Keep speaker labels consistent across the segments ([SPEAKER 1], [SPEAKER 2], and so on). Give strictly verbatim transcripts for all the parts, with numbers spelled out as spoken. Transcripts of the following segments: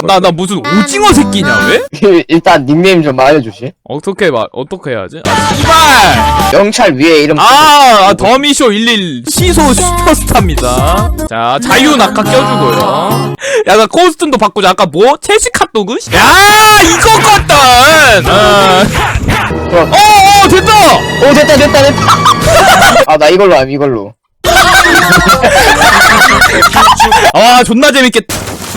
[SPEAKER 1] 나 나 무슨 오징어 새끼냐 왜?
[SPEAKER 2] 일단 닉네임 좀 알려주시.
[SPEAKER 1] 어떻게 말 어떻게 해야지? 아 씨발!
[SPEAKER 2] 명찰 위에 이름.
[SPEAKER 1] 아, 아 더미쇼 일일 시소 슈퍼스타입니다. 자 자유 낙하 껴주고요. 야 나 코스튬도 바꾸자. 아까 뭐? 채식 핫도그? 야 이거거든. 어, 어 됐다.
[SPEAKER 2] 오 됐다 됐다 됐다. 아 나 이걸로 함 이걸로.
[SPEAKER 1] 아 존나 재밌겠다.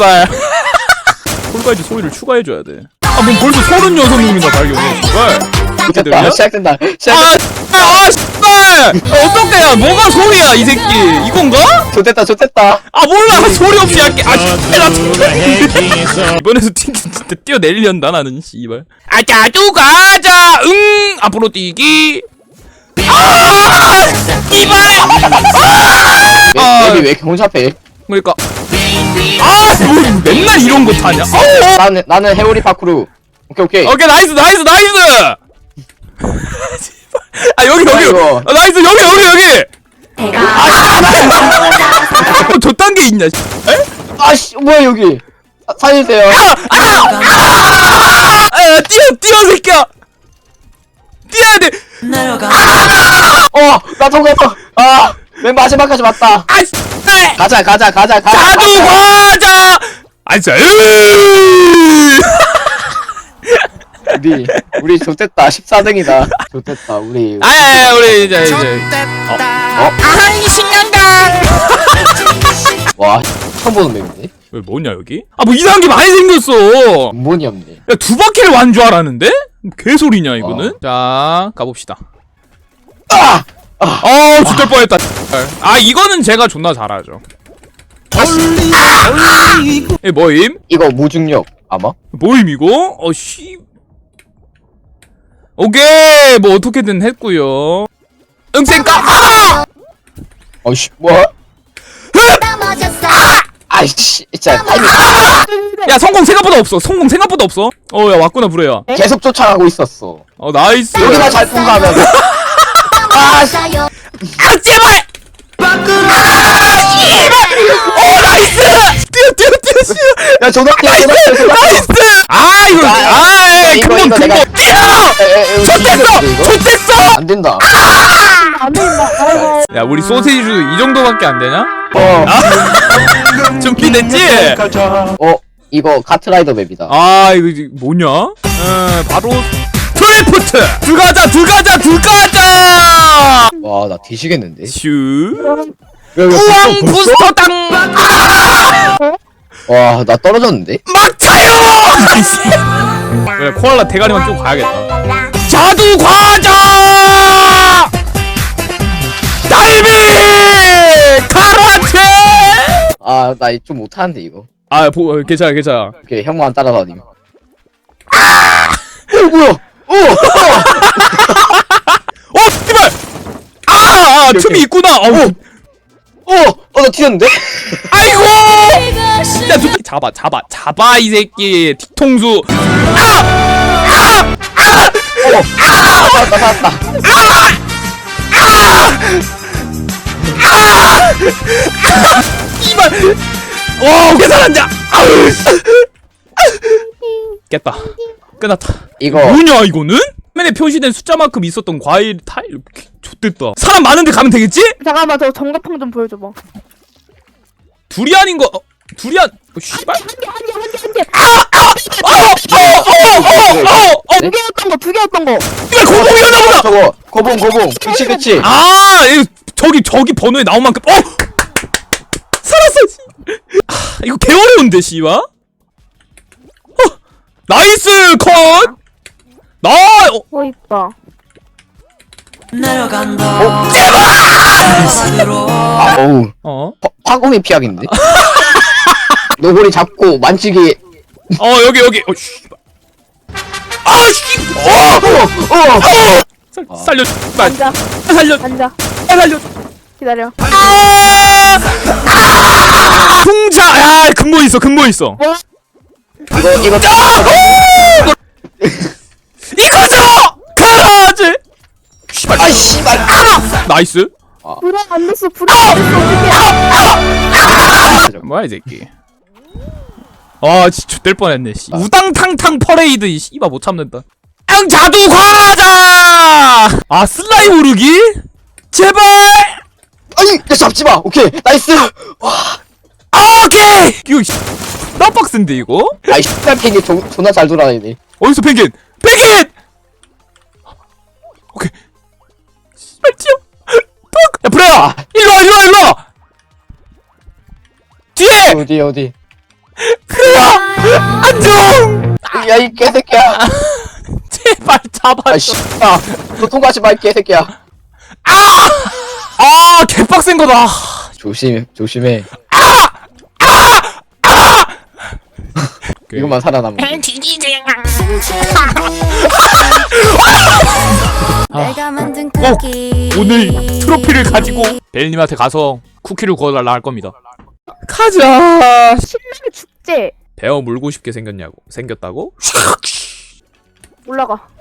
[SPEAKER 1] 폴가이즈 소리를 추가해줘야 돼. 아 뭐 벌써 서른여섯 명이나 발견해. 씨발.
[SPEAKER 2] 됐다 시작된다. 시작.
[SPEAKER 1] 아, 아, 씨발! 어떡해야, 뭐가 소리야, 이 새끼. 이건가?
[SPEAKER 2] 좋됐다 좋됐다.
[SPEAKER 1] 아, 몰라, 소리 없이 할게. 아, 씨발, 나 이번에도 튕, 진짜 뛰어내리련다, 나는, 씨발. 아, 자주 가자, 응! 앞으로 뛰기. 아! 씨발!
[SPEAKER 2] 맵이 왜 이렇게 혼잡해?
[SPEAKER 1] 그러니까. 아, 뭐, 맨날 이런 거 타냐? 어?
[SPEAKER 2] 나는 나는 해오리 파쿠르. 오케이 오케이.
[SPEAKER 1] 오케이, 나이스, 나이스, 나이스! 아 여기 여기
[SPEAKER 2] 아이고.
[SPEAKER 1] 아, 나이스 여기 여기 여기 아 저딴 게 있냐? 에?
[SPEAKER 2] 아씨 뭐야 여기. 아, 살려주세요.
[SPEAKER 1] 아 뛰어 뛰어 새끼야 뛰어야 돼.
[SPEAKER 2] 어나 통과했어. 아맨 마지막까지 왔다.
[SPEAKER 1] 아 씨.
[SPEAKER 2] 가자 가자 가자 가자.
[SPEAKER 1] 자두 과자. 아 진짜.
[SPEAKER 2] 우리 우리 좋됐다. 십사 등이다. 좋됐다 우리.
[SPEAKER 1] 아야 우리 이제 이제.
[SPEAKER 2] 어?
[SPEAKER 1] 아이 신난다.
[SPEAKER 2] 와 처음 보는 맵인데?
[SPEAKER 1] 왜 뭐냐 여기? 아 뭐 이상한 게 많이 생겼어.
[SPEAKER 2] 근본이 없네.
[SPEAKER 1] 야 두 바퀴를 완 줄 알았는데? 개소리냐 이거는? 어. 자 가봅시다.
[SPEAKER 2] 아!
[SPEAKER 1] 어 죽을 뻔했다. 아 이거는 제가 존나 잘하죠. 에 뭐임?
[SPEAKER 2] 이거 무중력 아마?
[SPEAKER 1] 뭐임 이거? 어씨. 오케이 뭐 어떻게든 했고요. 응생까.
[SPEAKER 2] 어씨 뭐야? 아이씨 진짜 타이밍.
[SPEAKER 1] 야 성공 생각보다 없어. 성공 생각보다 없어. 어 야 왔구나 브레야.
[SPEAKER 2] 계속 쫓아가고 있었어.
[SPEAKER 1] 어 나이스.
[SPEAKER 2] 여기만 잘 통과하면. 아 씨.
[SPEAKER 1] 아 제발. 어 나이스. 뛰어 뛰어 뛰어 뛰어.
[SPEAKER 2] 야 조덕이야 조덕이야 조덕.
[SPEAKER 1] 나이스. 아 이거 아
[SPEAKER 2] 이거,
[SPEAKER 1] 근본
[SPEAKER 2] 이거 내가-
[SPEAKER 1] 근본. 뛰어. 좋댔어 좋댔어.
[SPEAKER 2] 안 된다.
[SPEAKER 3] 안 된다. 아이고.
[SPEAKER 1] 야 우리 소세지도 이 정도밖에 안 되냐?
[SPEAKER 2] 어.
[SPEAKER 1] 준비됐지?
[SPEAKER 2] 어 이거 카트라이더 맵이다.
[SPEAKER 1] 아 이거 이제 뭐냐? 어 바로 트리프트 들어가자 들어가자 들어가자.
[SPEAKER 2] 와 나 뒤지겠는데.
[SPEAKER 1] 슈
[SPEAKER 2] 야, 야,
[SPEAKER 1] 우왕
[SPEAKER 2] 벌써?
[SPEAKER 1] 부스터 땅
[SPEAKER 2] 와 나 떨어졌는데?
[SPEAKER 1] 막차요. 그래 코알라 대가리만 끼고 가야겠다. 자두 과자 달비 카라테.
[SPEAKER 2] 아 나 좀 못하는데 이거.
[SPEAKER 1] 아 보, 괜찮아 괜찮아.
[SPEAKER 2] 오케이 형만 따라다님. 어 뭐야? 어!
[SPEAKER 1] 어 씨발 아, 아
[SPEAKER 2] 오케이,
[SPEAKER 1] 틈이
[SPEAKER 2] 오케이.
[SPEAKER 1] 있구나. 어우
[SPEAKER 2] 어! 어 나 튀었는데?
[SPEAKER 1] 아이고! 야, 저 잡아, 잡아, 잡아 이 새끼 뒤통수. 아! 아! 아!
[SPEAKER 2] 어! 살았다 살았다.
[SPEAKER 1] 이발. 와, 어떻게 살았냐? 아우. 깼다. 끝났다.
[SPEAKER 2] 이거
[SPEAKER 1] 뭐냐 이거는? 화면에 표시된 숫자만큼 있었던 과일 타일. 좆됐다. 사람 많은데 가면 되겠지?
[SPEAKER 3] 잠깐만 저 정가팡 좀 보여줘봐.
[SPEAKER 1] 두리안인 거. 어, 두리안. 어, 씨발.
[SPEAKER 3] 한개한개한개한개
[SPEAKER 1] 어어어어어어.
[SPEAKER 3] 두 개였던 거 두 개였던 거.
[SPEAKER 1] 이거 고봉이었나 보다.
[SPEAKER 2] 저거 고봉 고봉 그치 그치.
[SPEAKER 1] 아, 이거 저기 저기 번호에 나온 만큼 어 살았어. 아, 이거 개 어려운데 씨와. 어, 나이스 컷. 나 어,
[SPEAKER 3] 어 이뻐.
[SPEAKER 2] 어? 아 어우
[SPEAKER 1] 어,
[SPEAKER 2] 화, 화공의 피약인데? 노골이 잡고 만지기.
[SPEAKER 1] 어 여기 여기. 어, 씨. 아, 씨. 어,
[SPEAKER 2] 어! 어!
[SPEAKER 1] 살, 살려. 날
[SPEAKER 3] 앉아
[SPEAKER 1] 살려.
[SPEAKER 3] 앉아
[SPEAKER 1] 살려.
[SPEAKER 3] 기다려.
[SPEAKER 1] 아! 풍자. 야, 근본 있어. 근본 있어.
[SPEAKER 2] 이거 이거
[SPEAKER 1] 이거죠. 가라지. 씨발.
[SPEAKER 2] 아 씨발.
[SPEAKER 1] 나이스.
[SPEAKER 3] 불에 안 됐어 불에 안 됐어 어떡해.
[SPEAKER 1] 뭐야 이 새끼. 아 진짜 될 뻔했네 씨. 우당탕탕 퍼레이드 이 씨발 못 참는다. 앙 자두 과자. 아 슬라임 오르기? 제발.
[SPEAKER 2] 아니 야 잡지마. 오케이 나이스.
[SPEAKER 1] 아 오케이. 이거 씨, 나 빡센데 이거?
[SPEAKER 2] 아이 씨발 팬이 조- 존나 잘 돌아다니네.
[SPEAKER 1] 어디서 펭귄? 펭귄! 오케이. 씨발 튀어. 톡! 야 브레야! 일로와 일로와 일로와! 뒤에!
[SPEAKER 2] 어디 어디.
[SPEAKER 1] 브레야! 안녕!
[SPEAKER 2] 야 이 개새끼야.
[SPEAKER 1] 제발 잡아줘.
[SPEAKER 2] 아 씨발. 너 통과하지 마 이 개새끼야.
[SPEAKER 1] 아! 아 개빡센 거다.
[SPEAKER 2] 조심 조심해.
[SPEAKER 1] 오케이.
[SPEAKER 2] 이것만 살아남아.
[SPEAKER 4] 내가 만든
[SPEAKER 1] 꼭
[SPEAKER 4] 쿠키
[SPEAKER 1] 오늘 트로피를 가지고 벨님한테 가서 쿠키를 구워달라 할 겁니다. 가자.
[SPEAKER 3] 신나게 축제.
[SPEAKER 1] 베어 물고 싶게 생겼냐고? 생겼다고?
[SPEAKER 3] 올라가.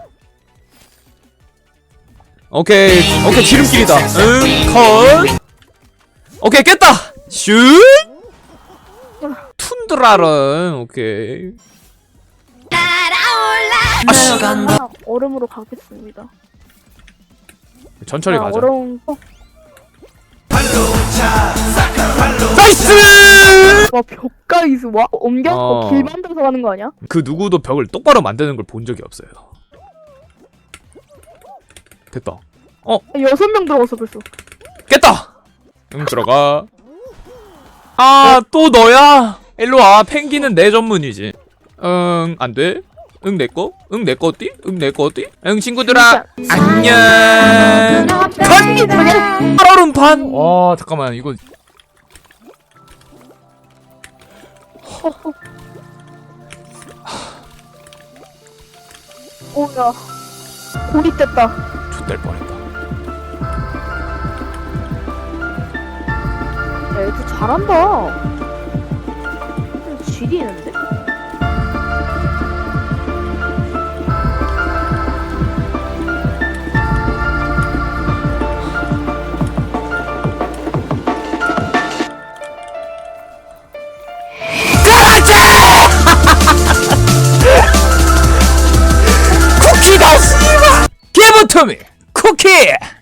[SPEAKER 1] 오케이 오케이 지름길이다. 응 컷. 오케이 깼다. 슛. 툰드라른 오케이. 아씨
[SPEAKER 3] 아, 얼음으로 가겠습니다.
[SPEAKER 1] 천천히
[SPEAKER 3] 아,
[SPEAKER 1] 가자.
[SPEAKER 3] 얼음. 어,
[SPEAKER 1] 나이스.
[SPEAKER 3] 와 벽가이스 와 옮겨서
[SPEAKER 1] 어.
[SPEAKER 3] 길 만들어서 가는 거 아니야?
[SPEAKER 1] 그 누구도 벽을 똑바로 만드는 걸 본 적이 없어요. 됐다.
[SPEAKER 3] 아, 여섯 명 들어갔어 벌써.
[SPEAKER 1] 깼다. 응 들어가. 아 또 너야. 일로 와. 펭귄은 내 전문이지. 응 안돼. 응 내꺼? 응 내꺼 어디? 응 내꺼 어디? 응 친구들아 안녕.
[SPEAKER 3] 간 그냥.
[SPEAKER 1] 얼음판. 와 잠깐만 이거
[SPEAKER 3] 오야 고립됐다.
[SPEAKER 1] X될 뻔했다.
[SPEAKER 3] 야, 애들 잘한다. 질이 있는데?
[SPEAKER 1] 쿠키다 씨발. Give it to me. 쿠키.